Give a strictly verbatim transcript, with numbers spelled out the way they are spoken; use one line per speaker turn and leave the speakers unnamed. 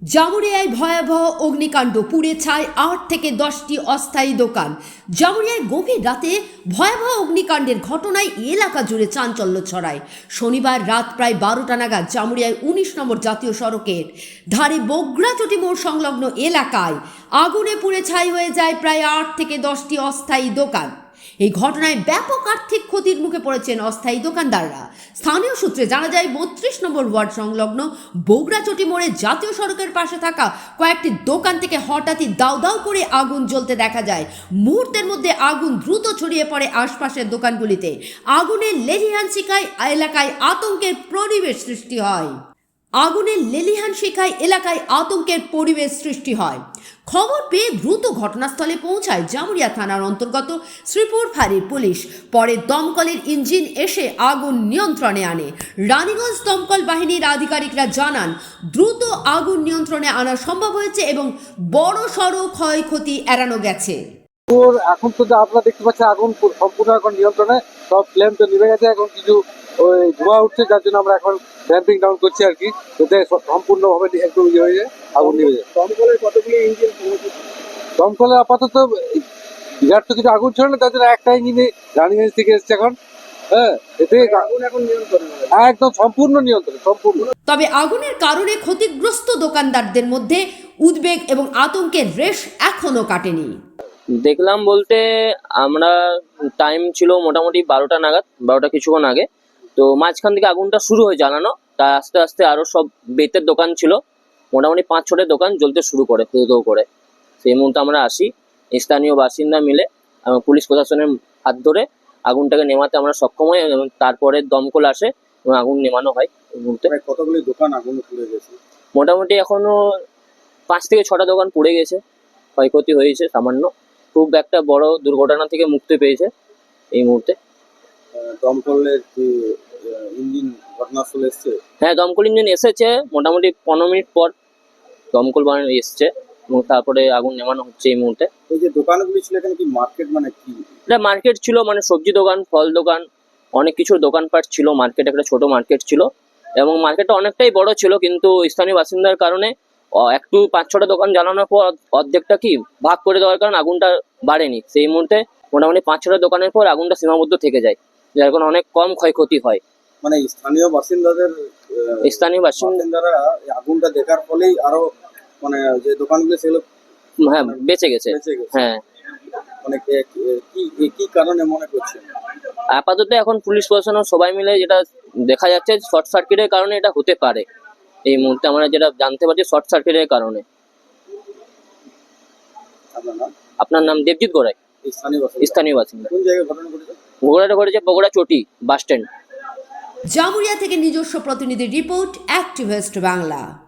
জামুরিয়ায় ভয়াবহ অগ্নিকাণ্ড, পুড়ে ছাই আট থেকে দশটি অস্থায়ী দোকান। জামুরিয়ায় গভীর রাতে ভয়াবহ অগ্নিকাণ্ডের ঘটনায় এলাকা জুড়ে চাঞ্চল্য ছড়ায়। শনিবার রাত প্রায় বারোটা নাগাদ জামুরিয়ায় উনিশ নম্বর জাতীয় সড়কের ধারে বগড়াচটি মোড় সংলগ্ন এলাকায় আগুনে পুড়ে ছাই হয়ে যায় প্রায় আট থেকে দশটি অস্থায়ী দোকান। এই ঘটনায় ব্যাপক আর্থিক ক্ষতির মুখে পড়েছেন অস্থায়ী দোকানদাররা। স্থানীয় সূত্রে জানা যায়, বত্রিশ নম্বর ওয়ার্ড সংলগ্ন বগড়াচটি মোড়ে জাতীয় সড়কের পাশে থাকা কয়েকটি দোকান থেকে হঠাৎই দাউ দাউ করে আগুন জ্বলতে দেখা যায়। মুহূর্তের মধ্যে আগুন দ্রুত ছড়িয়ে পড়ে আশপাশের দোকানগুলিতে। আগুনের লেলিহান শিখায় এলাকায় আতঙ্কের পরিবেশ সৃষ্টি হয় আগুনের লেলিহান শিখায় এলাকায় আতঙ্কের পরিবেশ সৃষ্টি হয় খবর পেয়ে দ্রুত ঘটনাস্থলে পৌঁছায় জামুরিয়া থানার অন্তর্গত শ্রীপুর ফাঁড়ির পুলিশ। পরে দমকলের ইঞ্জিন এসে আগুন নিয়ন্ত্রণে আনে। রানীগঞ্জ দমকল বাহিনীর আধিকারিকরা জানান, দ্রুত আগুন নিয়ন্ত্রণে আনা সম্ভব হয়েছে এবং বড় সড়ো ক্ষয়ক্ষতি এড়ানো গেছে।
এখন তো আপনারা দেখতে পাচ্ছেন আগুন সম্পূর্ণ এখন নিয়ন্ত্রণে, সব ফ্লেম তো নিভে গেছে। এখন কিছু ওই ধোঁয়া উঠছে, যার জন্য আমরা এখন ড্যাম্পিং ডাউন করছি আর কি, যাতে সম্পূর্ণভাবে একটু ইয়ে হয়ে যায়, আগুন নিভে যায়।
দমকলের কতগুলি ইঞ্জিন?
দমকলের আপাতত বিরাট তো কিছু আগুন ছিল না, তার জন্য একটা ইঞ্জিনে রানীগঞ্জ থেকে এসছে এখন। হ্যাঁ, এতে
আগুন এখন নিয়ন্ত্রণ
একদম সম্পূর্ণ নিয়ন্ত্রণ সম্পূর্ণ।
তবে আগুনের কারণে ক্ষতিগ্রস্ত দোকানদারদের মধ্যে উদ্বেগ এবং আতঙ্কের রেশ এখনো কাটেনি।
দেখলাম বলতে আমরা টাইম ছিল মোটামুটি বারোটা নাগাদ, বারোটা কিছুক্ষণ আগে। তো মাঝখান থেকে আগুনটা শুরু হয়ে জ্বালানো, তা আস্তে আস্তে আরও সব বেতের দোকান ছিল, মোটামুটি পাঁচ ছটা দোকান জ্বলতে শুরু করে ধো ধো করে। সেই মুহূর্তে আমরা আসি, স্থানীয় বাসিন্দা মিলে পুলিশ প্রশাসনের হাত ধরে আগুনটাকে নেমাতে আমরা সক্ষম হই এবং তারপরে দমকল আসে এবং আগুন নেমানো হয়। এই মুহূর্তে
কতগুলি দোকান আগুন পুড়ে গেছে?
মোটামুটি এখনো পাঁচ থেকে ছটা দোকান পুড়ে গেছে, ক্ষয়ক্ষতি হয়েছে সামান্য। খুব একটা বড় দুর্ঘটনা থেকে মুক্তি পেয়েছে এই মুহূর্তে।
দমকলের ইঞ্জিন ঘটনাস্থলে এসছে?
হ্যাঁ, দমকল ইঞ্জিন এসেছে মোটামুটি পনেরো মিনিট পর দমকল বাহিনী এসছে এবং তারপরে আগুন নেমানো হচ্ছে এই মুহূর্তে।
এই যে দোকানগুলি ছিল, এখানে কি মার্কেট মানে কি?
এটা মার্কেট ছিল, মানে সবজি দোকান, ফল দোকান, অনেক কিছুর দোকানপাট ছিল। মার্কেট একটা ছোট মার্কেট ছিল এবং মার্কেটটা অনেকটাই বড় ছিল, কিন্তু স্থানীয় বাসিন্দার কারণে একটু পাঁচ ছটা দোকান জ্বালানোর পর অর্ধেকটা কি ভাগ করে দেওয়ার কারণে আগুনটা বাড়েনি। সেই মুহূর্তে মোটামুটি পাঁচ ছটা দোকানের পর আগুনটা সীমাবদ্ধ থেকে যায়, যার কারণে অনেক কম ক্ষয়ক্ষতি হয়।
মানে স্থানীয় বাসিন্দাদের
স্থানীয় বাসিন্দারা
আগুনটা দেখার ফলেই আরো মানে যে দোকানগুলো সেগুলো
হ্যাঁ বেঁচে গেছে। হ্যাঁ,
মানে কি কি কারণে মনে করছে?
আপাতত এখন পুলিশ প্রশাসন সবাই মিলে যেটা দেখা যাচ্ছে, শর্ট সার্কিটের কারণে এটা হতে পারে। এই মুহূর্তে আমরা যেটা জানতে পারছি, শর্ট সার্কিটের কারণে। আপনার নাম? দেবজিৎ গোড়াই, স্থানীয় বাসিন্দা।
কোন জায়গায় ঘটনা ঘটেছে?
ঘোড়াটা ঘটেছে বগড়াচটি বাস স্ট্যান্ড।
জামুরিয়া থেকে নিজস্ব প্রতিনিধি রিপোর্ট, অ্যাক্টিভিস্ট বাংলা।